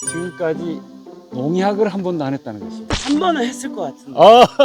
지금까지 농약을 한 번도 안 했다는 것입니다. 한 번은 했을 것 같은데.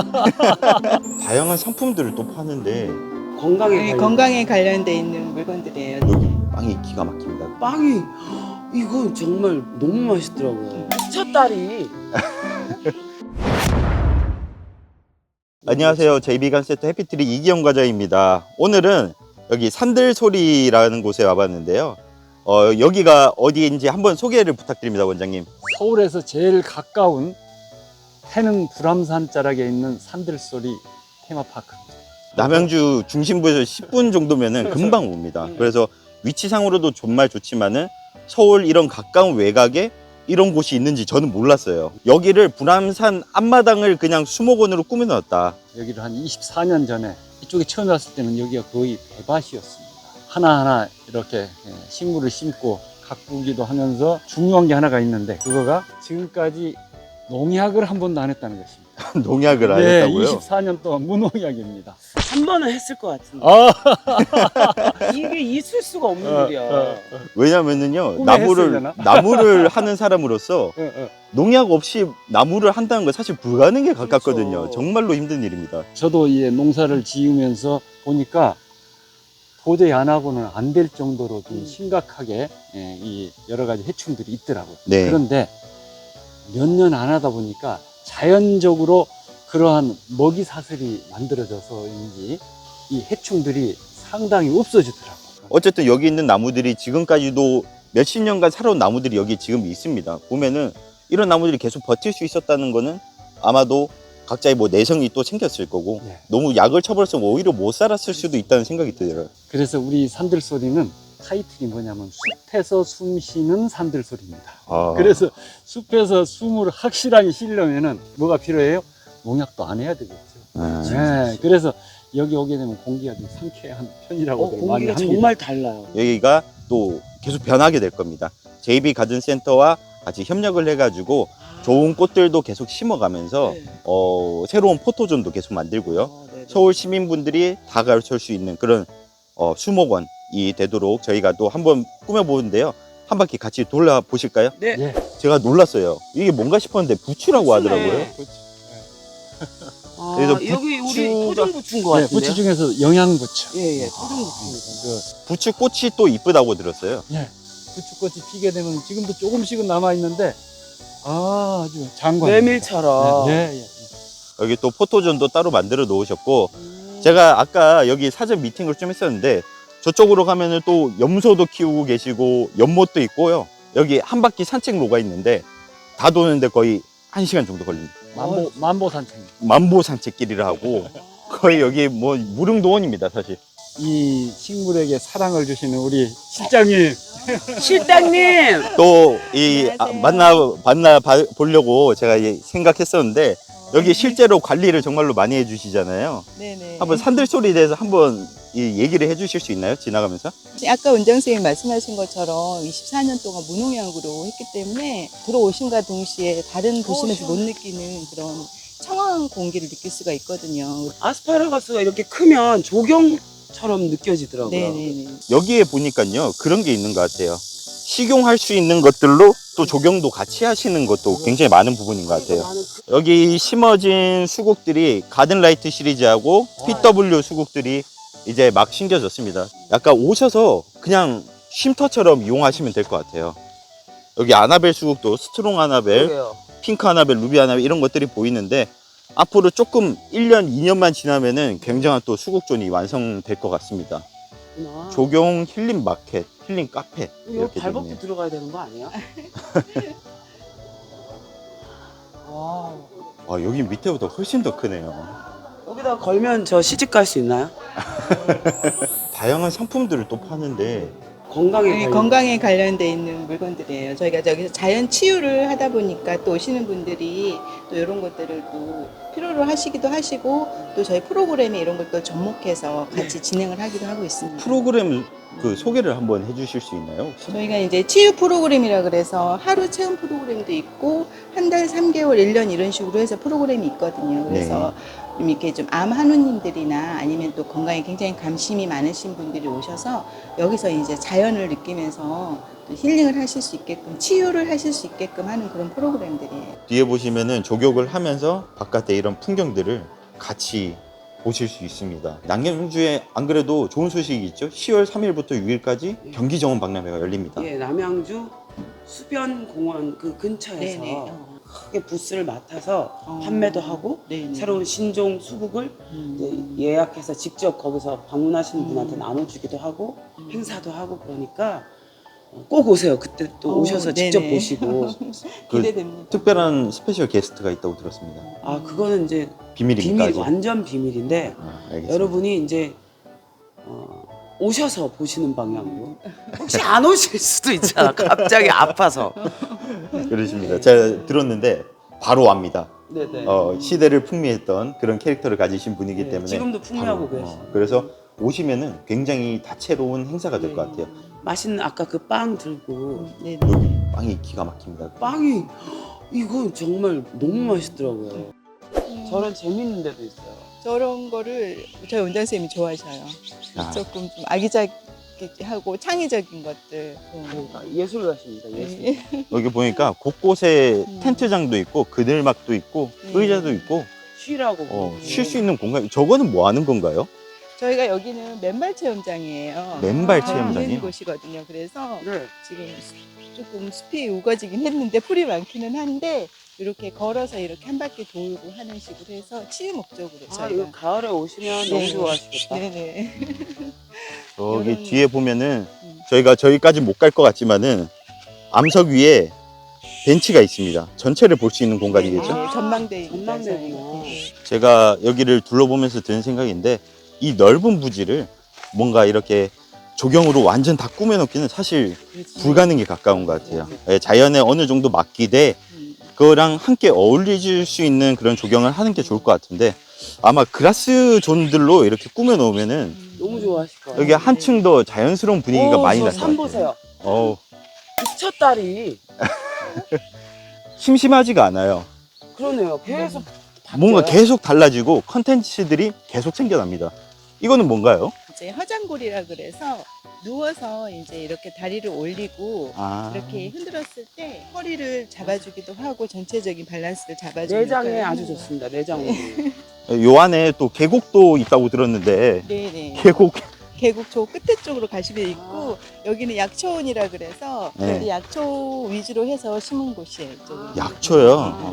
다양한 상품들을 또 파는데 건강에 관련- 건강에 관련돼 있는 물건들이에요. 여기 빵이 기가 막힙니다. 빵이 이거 정말 너무 맛있더라고요. 첫 딸이 안녕하세요. JB간세트 해피트리 이기영 과장입니다. 오늘은 여기 산들소리라는 곳에 와봤는데요. 여기가 어디인지 한번 소개를 부탁드립니다, 원장님. 서울에서 제일 가까운 태릉 불암산 자락에 있는 산들소리 테마파크입니다. 남양주 중심부에서 10분 정도면은 금방 옵니다. 그래서 위치상으로도 정말 좋지만은 서울 이런 가까운 외곽에 이런 곳이 있는지 저는 몰랐어요. 여기를 불암산 앞마당을 그냥 수목원으로 꾸며놨다. 여기를 한 24년 전에 이쪽에 처음 왔을 때는 여기가 거의 배밭이었습니다. 하나하나 이렇게 식물을 심고 가꾸기도 하면서 중요한 게 하나가 있는데 그거가 지금까지 농약을 한 번도 안 했다는 것입니다. 농약을 안 네, 했다고요? 24년 동안 무농약입니다. 한 번은 했을 것 같은데. 이게 있을 수가 없는 일이야. 왜냐면은요, 꿈에 했으려나? 나무를 하는 사람으로서 어, 어. 농약 없이 나무를 한다는 건 사실 불가능에 가깝거든요. 그렇죠. 정말로 힘든 일입니다. 저도 이 농사를 지으면서 보니까 도저히 안 하고는 안 될 정도로 좀 심각하게 이 여러 가지 해충들이 있더라고요. 네. 그런데 몇 년 안 하다 보니까 자연적으로 그러한 먹이 사슬이 만들어져서인지 이 해충들이 상당히 없어지더라고요. 어쨌든 여기 있는 나무들이 지금까지도 몇십 년간 살아온 나무들이 여기 지금 있습니다. 보면은 이런 나무들이 계속 버틸 수 있었다는 거는 아마도 각자의 뭐 내성이 또 생겼을 거고 네. 너무 약을 쳐버려서 오히려 못 살았을 수도 있다는 생각이 들어요. 그래서 우리 산들소리는 타이틀이 뭐냐면 숲에서 숨 쉬는 산들소리입니다. 아. 그래서 숲에서 숨을 확실하게 쉬려면은 뭐가 필요해요? 농약도 안 해야 되겠죠. 네, 그래서 여기 오게 되면 공기가 좀 상쾌한 편이라고 많이 공기가 합니다. 정말 달라요. 여기가 또 계속 변하게 될 겁니다. JB 가든센터와 같이 협력을 해가지고 좋은 꽃들도 계속 심어가면서 네. 새로운 포토존도 계속 만들고요. 네네. 서울 시민분들이 다 가르칠 수 있는 그런 수목원이 되도록 저희가 또 한번 꾸며보는데요. 한 바퀴 같이 돌아보실까요? 네. 예. 제가 놀랐어요. 이게 뭔가 싶었는데 부추라고 하더라고요. 아, 그래서 여기 우리 부추가- 토종부추인 것 네, 같은데. 부추 중에서 영양부추. 예예, 토종부추입니다. 그 부추 꽃이 또 이쁘다고 들었어요. 부추꽃이 피게 되면 지금도 조금씩은 남아 있는데 아주 장관. 메밀처럼. 네, 예. 여기 또 포토존도 따로 만들어 놓으셨고 음. 제가 아까 여기 사전 미팅을 좀 했었는데 저쪽으로 가면은 또 염소도 키우고 계시고 연못도 있고요. 여기 한 바퀴 산책로가 있는데 다 도는데 거의 1시간 정도 걸립니다. 만보 산책. 만보 산책길이라 하고 거의 여기 뭐 무릉도원입니다, 사실. 이 식물에게 사랑을 주시는 우리 실장님. 실장님. 또 안녕하세요. 만나 보려고 제가 생각했었는데 여기 실제로 관리를 정말로 많이 해주시잖아요. 네네. 한번 산들소리에 대해서 한번 얘기를 해주실 수 있나요? 지나가면서? 아까 원장 선생님 말씀하신 것처럼 24년 동안 무농약으로 했기 때문에 들어오신과 동시에 다른 도심에서 못 느끼는 그런 청아한 공기를 느낄 수가 있거든요. 아스파라거스가 이렇게 크면 조경처럼 느껴지더라고요. 네네네. 여기에 보니까요 그런 게 있는 것 같아요. 식용할 수 있는 것들로 또 조경도 같이 하시는 것도 굉장히 많은 부분인 것 같아요. 여기 심어진 수국들이 가든라이트 시리즈하고 PW 수국들이 이제 막 심겨졌습니다. 약간 오셔서 그냥 쉼터처럼 이용하시면 될 것 같아요. 여기 아나벨 수국도 스트롱 아나벨, 그래요. 핑크 아나벨, 루비 아나벨 이런 것들이 보이는데 앞으로 조금 1년, 2년만 지나면은 굉장한 또 수국존이 완성될 것 같습니다. 그렇구나. 조경 힐링 마켓, 힐링 카페 이거 이렇게 발벗고 되네요. 들어가야 되는 거 아니야? 와, 아, 여기 밑에보다 훨씬 더 크네요. 여기다 걸면 저 시집 갈 수 있나요? 다양한 상품들을 또 파는데 건강에 관련돼 있는 물건들이에요. 저희가 저기서 자연 치유를 하다 보니까 또 오시는 분들이 또 이런 것들을 또 필요로 하시기도 하시고 또 저희 프로그램에 이런 걸 또 접목해서 같이 진행을 하기도 하고 있습니다. 프로그램 그 소개를 한번 해주실 수 있나요? 혹시? 저희가 이제 치유 프로그램이라 그래서 하루 체험 프로그램도 있고 한 달, 3개월, 1년 이런 식으로 해서 프로그램이 있거든요. 그래서 좀 이렇게 좀 암 한우님들이나 아니면 또 건강에 굉장히 관심이 많으신 분들이 오셔서 여기서 이제 자연을 느끼면서 또 힐링을 하실 수 있게끔 치유를 하실 수 있게끔 하는 그런 프로그램들이에요. 뒤에 보시면은 조격을 하면서 바깥에 이런 풍경들을 같이 보실 수 있습니다. 남양주에 안 그래도 좋은 소식이 있죠? 10월 3일부터 6일까지 경기 정원 박람회가 열립니다. 예, 남양주 수변공원 그 근처에서 네네. 크게 부스를 맡아서 어. 판매도 하고 네네. 새로운 신종 수국을 이제 예약해서 직접 거기서 방문하시는 분한테 나눠주기도 하고 행사도 하고 그러니까 꼭 오세요. 그때 또 오셔서 직접 네네. 보시고. 그 기대됩니다. 특별한 스페셜 게스트가 있다고 들었습니다. 아 그거는 이제 비밀입니까? 비밀 아직? 완전 비밀인데 알겠습니다. 여러분이 이제 오셔서 보시는 방향으로 혹시 안 오실 수도 있잖아. 갑자기 아파서. 그러십니다. 제가 들었는데 바로 옵니다. 네네. 시대를 풍미했던 그런 캐릭터를 가지신 분이기 네, 때문에 지금도 풍미하고 바로, 계시죠. 그래서 오시면은 굉장히 다채로운 행사가 될 것 같아요. 맛있는 아까 그 빵 들고 네네. 여기 빵이 기가 막힙니다. 빵이 이거 정말 너무 맛있더라고요. 저런 재밌는 데도 있어요. 저런 거를 저희 원장님이 좋아하셔요. 아. 조금 좀 아기자기하고 창의적인 것들. 그러니까 예술가십니다. 예술. 네. 여기 보니까 곳곳에 텐트장도 있고 그늘막도 있고 의자도 있고 쉬라고. 쉴 수 있는 공간. 저거는 뭐 하는 건가요? 저희가 여기는 맨발 체험장이에요. 맨발 아, 체험장이요? 있는 곳이거든요. 그래서 네. 지금 조금 숲이 우거지긴 했는데 풀이 많기는 한데 이렇게 걸어서 이렇게 한 바퀴 돌고 하는 식으로 해서 치유 목적으로 아 이거 저희가. 가을에 오시면 네. 너무 좋아하시겠다. 네네. 저기 요런- 뒤에 보면은 저희가 저기까지 못 갈 것 같지만은 암석 위에 벤치가 있습니다. 전체를 볼 수 있는 공간이겠죠? 네, 전망대. 전망대구나. 제가 여기를 둘러보면서 드는 생각인데 이 넓은 부지를 뭔가 이렇게 조경으로 완전 다 꾸며놓기는 사실 불가능에 가까운 것 같아요. 예, 자연에 어느 정도 맡기되 그거랑 함께 어울릴 수 있는 그런 조경을 하는 게 좋을 것 같은데 아마 그라스 존들로 이렇게 꾸며놓으면은 너무 좋아하실 거예요. 여기 한층 더 자연스러운 분위기가 많이 날 것 산 같아요. 보세요. 어우, 부처딸이 심심하지가 않아요. 그러네요. 계속 뭔가 바뀌어요. 계속 달라지고 컨텐츠들이 계속 생겨납니다. 이거는 뭔가요? 이제 화장골이라 그래서 누워서 이제 이렇게 다리를 올리고 아, 이렇게 흔들었을 때 허리를 잡아주기도 하고 전체적인 밸런스를 잡아주는 내장에 역할을 아주 하는 좋습니다. 내장으로. 요 안에 또 계곡도 있다고 들었는데 네네. 계곡 계곡 저 끝에 쪽으로 가시면 있고 여기는 약초원이라 그래서 네. 이 약초 위주로 해서 심은 곳이에요. 이쪽은. 약초요.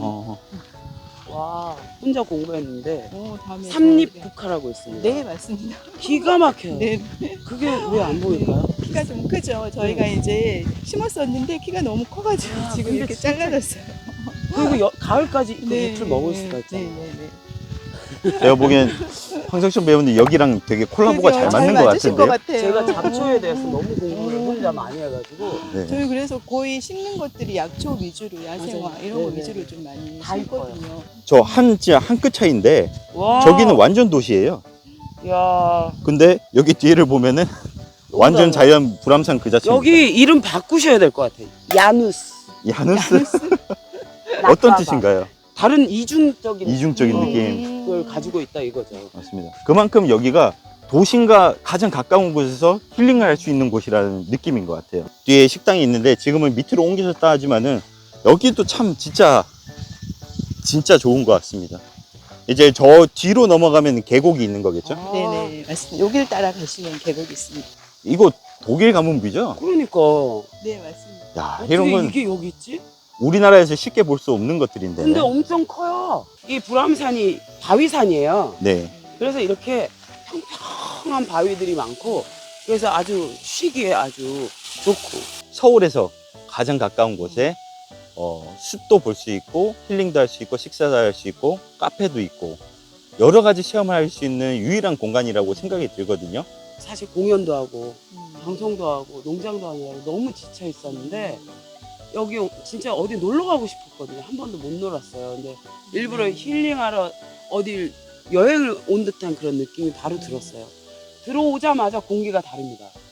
와 혼자 공부했는데 오, 다음에 삼립 저기- 국화라고 있습니다. 네 맞습니다. 기가 막혀요. 네 그게 왜 안 보일까요? 키가 좀 크죠. 저희가 이제 심었었는데 키가 너무 커가지고 아, 지금 근데 이렇게 진짜- 잘라졌어요. 그리고 가을까지 그 잎을 먹을 수가 있잖아요. 네네네. 제가 보기엔 황석천 배우님 여기랑 되게 콜라보가 잘 맞는 것 맞으실 것 같은데요. 같아요. 제가 잡초에 대해서 너무 공부를 혼자 많이 해가지고 네. 저희 그래서 거의 심는 것들이 약초 위주로 야생화 맞아요. 이런 거 네네. 위주로 좀 많이 다 심거든요. 저 진짜 한 끗 차이인데 와 저기는 완전 도시예요. 야 근데 여기 뒤에를 보면은 완전 달라요. 자연 불암산 그 자체입니다. 여기 이름 바꾸셔야 될 것 같아요. 야누스. 야누스 어떤 낙가가. 뜻인가요? 다른 이중적인 이중적인 걸 느낌. 가지고 있다 이거죠. 맞습니다. 그만큼 여기가 도심과 가장 가까운 곳에서 힐링을 할 수 있는 곳이라는 느낌인 것 같아요. 뒤에 식당이 있는데 지금은 밑으로 옮기셨다 하지만은 여기도 참 진짜 좋은 것 같습니다. 이제 저 뒤로 넘어가면 계곡이 있는 거겠죠? 아, 네네 맞습니다. 여기를 따라 가시면 계곡이 있습니다. 이거 독일 가문비죠? 그러니까 네 맞습니다. 야, 어떻게 이런 건 이게 여기 있지? 우리나라에서 쉽게 볼 수 없는 것들인데. 근데 엄청 커요. 이 불암산이 바위산이에요. 네. 그래서 이렇게 평평한 바위들이 많고 그래서 아주 쉬기에 아주 좋고. 서울에서 가장 가까운 곳에 숲도 볼 수 있고 힐링도 할 수 있고 식사도 할 수 있고 카페도 있고 여러 가지 체험을 할 수 있는 유일한 공간이라고 생각이 들거든요. 사실 공연도 하고 방송도 하고 농장도 하느라고 너무 지쳐 있었는데 여기 진짜 어디 놀러 가고 싶었거든요. 한 번도 못 놀았어요. 근데 일부러 힐링하러 어딜 여행을 온 듯한 그런 느낌이 바로 들었어요. 들어오자마자 공기가 다릅니다.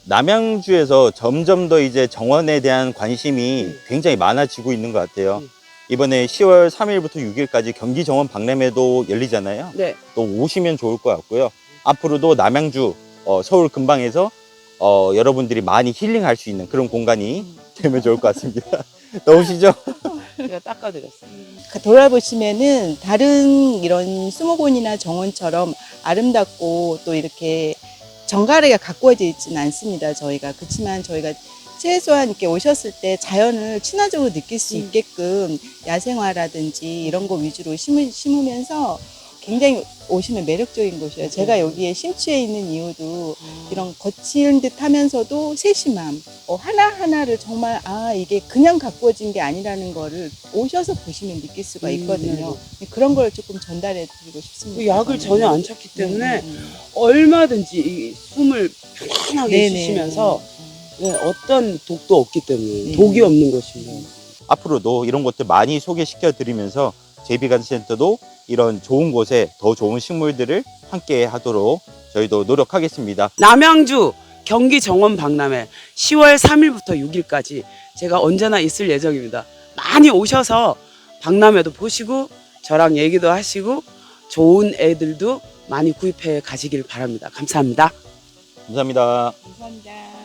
남양주에서 점점 더 이제 정원에 대한 관심이 굉장히 많아지고 있는 것 같아요. 이번에 10월 3일부터 6일까지 경기 정원 박람회도 열리잖아요. 네. 또 오시면 좋을 것 같고요. 앞으로도 남양주, 서울 근방에서 여러분들이 많이 힐링할 수 있는 그런 공간이 되면 좋을 것 같습니다. 나오시죠? 제가 닦아드렸어요. 돌아보시면은 다른 이런 수목원이나 정원처럼 아름답고 또 이렇게 정갈하게 가꾸어져 있지는 않습니다. 저희가 그렇지만 저희가 최소한 이렇게 오셨을 때 자연을 친화적으로 느낄 수 있게끔 야생화라든지 이런 거 위주로 심으면서 굉장히 오시면 매력적인 곳이에요. 제가 여기에 심취해 있는 이유도 이런 거친 듯 하면서도 세심함, 하나하나를 정말 이게 그냥 가꾸어진 게 아니라는 거를 오셔서 보시면 느낄 수가 있거든요. 그런 걸 조금 전달해 드리고 그 싶습니다. 약을 전혀 안 찾기 때문에 얼마든지 이 숨을 편안하게 네네. 쉬시면서 어떤 독도 없기 때문에 네. 독이 없는 것입니다. 앞으로도 이런 것들 많이 소개시켜 드리면서 JB가든센터도 이런 좋은 곳에 더 좋은 식물들을 함께 하도록 저희도 노력하겠습니다. 남양주 경기 정원 박람회 10월 3일부터 6일까지 제가 언제나 있을 예정입니다. 많이 오셔서 박람회도 보시고 저랑 얘기도 하시고 좋은 애들도 많이 구입해 가시길 바랍니다. 감사합니다. 감사합니다. 감사합니다.